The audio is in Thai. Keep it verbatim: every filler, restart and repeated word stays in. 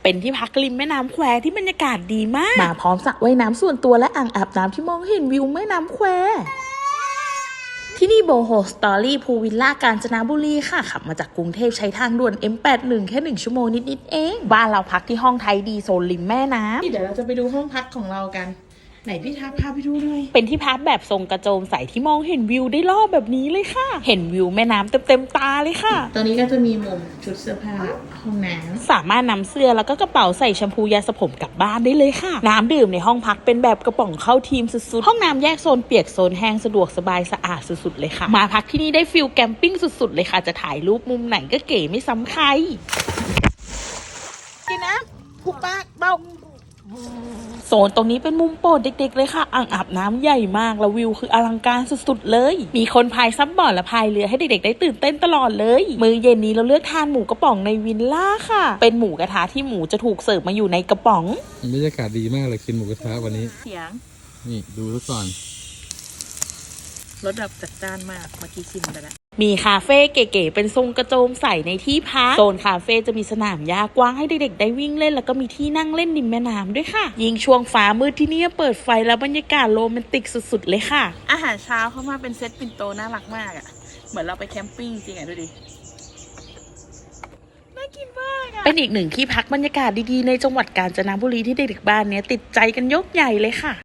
เป็นที่พักริมแม่น้ำแควที่บรรยากาศดีมากมาพร้อมสระว่ายน้ำส่วนตัวและอ่างอาบน้ำที่มองเห็นวิวแม่น้ำแควที่นี่โบโฮสตอรี่พูลวิลล่ากาญจนบุรีค่ะขับมาจากกรุงเทพใช้ทางด่วน เอ็ม แปดสิบเอ็ด แค่หนึ่งชั่วโมงนิดๆเองบ้านเราพักที่ห้องไทยดีโซนริมแม่น้ำเดี๋ยวเราจะไปดูห้องพักของเรากันไหนพี่ทัพพาไปดูหน่อยเป็นที่พักแบบทรงกระโจมใสที่มองเห็นวิวได้รอบแบบนี้เลยค่ะเห็นวิวแม่น้ำเต็มๆตาเลยค่ะตอนนี้ก็จะมีมุมชุดเสื้อผ้าห้องน้ำสามารถนำเสื้อแล้วก็กระเป๋าใส่แชมพูยาสระผมกลับบ้านได้เลยค่ะน้ำดื่มในห้องพักเป็นแบบกระป๋องเข้าทีมสุดๆห้องน้ำแยกโซนเปียกโซนแห้งสะดวกสบายสะอาดสุดๆเลยค่ะมาพักที่นี่ได้ฟิลแคมปิ้งสุดๆเลยค่ะจะถ่ายรูปมุมไหนก็เก๋ไม่ซ้ำใครกินนะผูกปากเบาโซนตรงนี้เป็นมุมโปรดเด็กๆเลยค่ะอ่างอาบน้ำใหญ่มากแล้ววิวคืออลังการสุดๆเลยมีคนพายซับบอร์ดและพายเรือให้เด็กๆได้ตื่นเต้นตลอดเลยมื้อเย็นนี้เราเลือกทานหมูกระป๋องในวิลล่าค่ะเป็นหมูกระทะที่หมูจะถูกเสิร์ฟมาอยู่ในกระป๋องบรรยากาศดีมากเลยกินหมูกระทะวันนี้เสียงนี่ดูทุกก่อนรสแบบจัดจ้านมากเมื่อกี้ชิมไปแล้วมีคาเฟ่เก๋ๆเป็นทรงกระโจมใสในที่พักโซนคาเฟ่จะมีสนามหญ้ากว้างให้เด็กๆได้วิ่งเล่นแล้วก็มีที่นั่งเล่นริมแม่น้ำด้วยค่ะยิ่งช่วงฟ้ามืดที่นี่เปิดไฟแล้วบรรยากาศโรแมนติกสุดๆเลยค่ะอาหารเช้าเข้ามาเป็นเซตปิ่นโตน่ารักมากอ่ะเหมือนเราไปแคมปิ้งจริงอ่ะดูดิน่ากินมากอ่ะเป็นอีกหนึ่งที่พักบรรยากาศดีๆในจังหวัดกาญจนบุรีที่เด็กๆบ้านเนี้ยติดใจกันยกใหญ่เลยค่ะ